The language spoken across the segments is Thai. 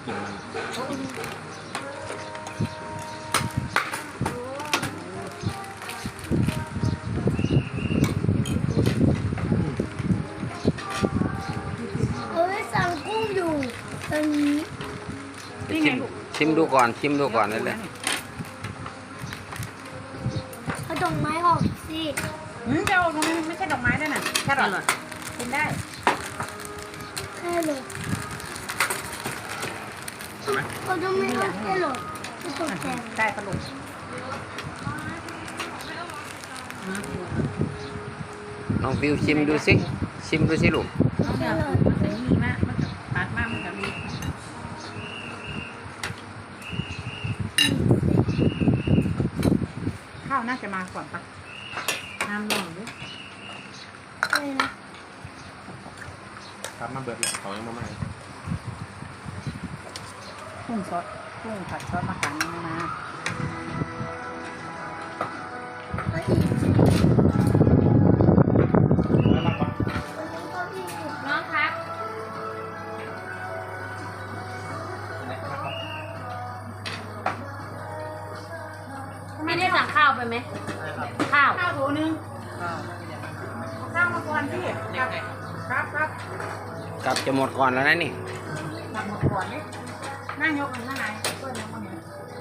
กินมันสั่งกุ้งอยู่ตอนนี้ชิมดูก่อนชิมดูก่อนนั่นแหละเอาดอกไม้ออกสิจะเอาตรงนี้ไม่ใช่ดอกไม้ด้วยน่ะแค่หรอกินได้แค่เลยเขาจะไม่เอาแค่หรอกจะตกแต่งได้ปลาดุกน้องฟิวชิมดูสิชิมดูสิลูกน้องเนี่ยมันจะมีมากมันจะปาดมากมันจะมีข้าวน่าจะมาก่อนปะน้ำลงด้วยอะไรนะครับมาเบิดเลยเขายังมาใหม่กุ้งซอสกุ้งผัดซอสมะขามนี่มาก็อีกแล้วรับปะก็อีกน้องครับไม่ได้สั่งข้าวไปไหมข้าวโถนึงข้าวมาก่อนพี่ครับกลับจะหมดก่อนแล้วนะนี่สั่งมาก่อนนี่นั่งยกมันข้างในเพื่อนยกมันเนี่ย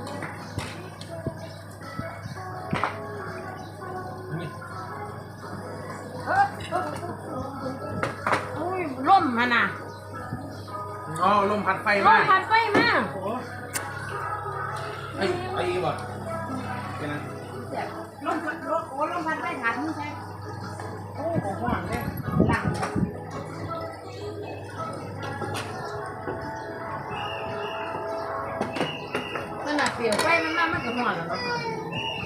อุ้ยล่มมันน่ะอ๋อลมพัดไฟล่มามพันไฟมากโอ้ไอ้บ่เป็นไงล่มพันโอ้ล่มพันไฟถังใช่โอ้โหห่วงเลยหลังมันน่ะเปลี่ยวไฟมันมากมันก็ห่วงแล้วเนาะ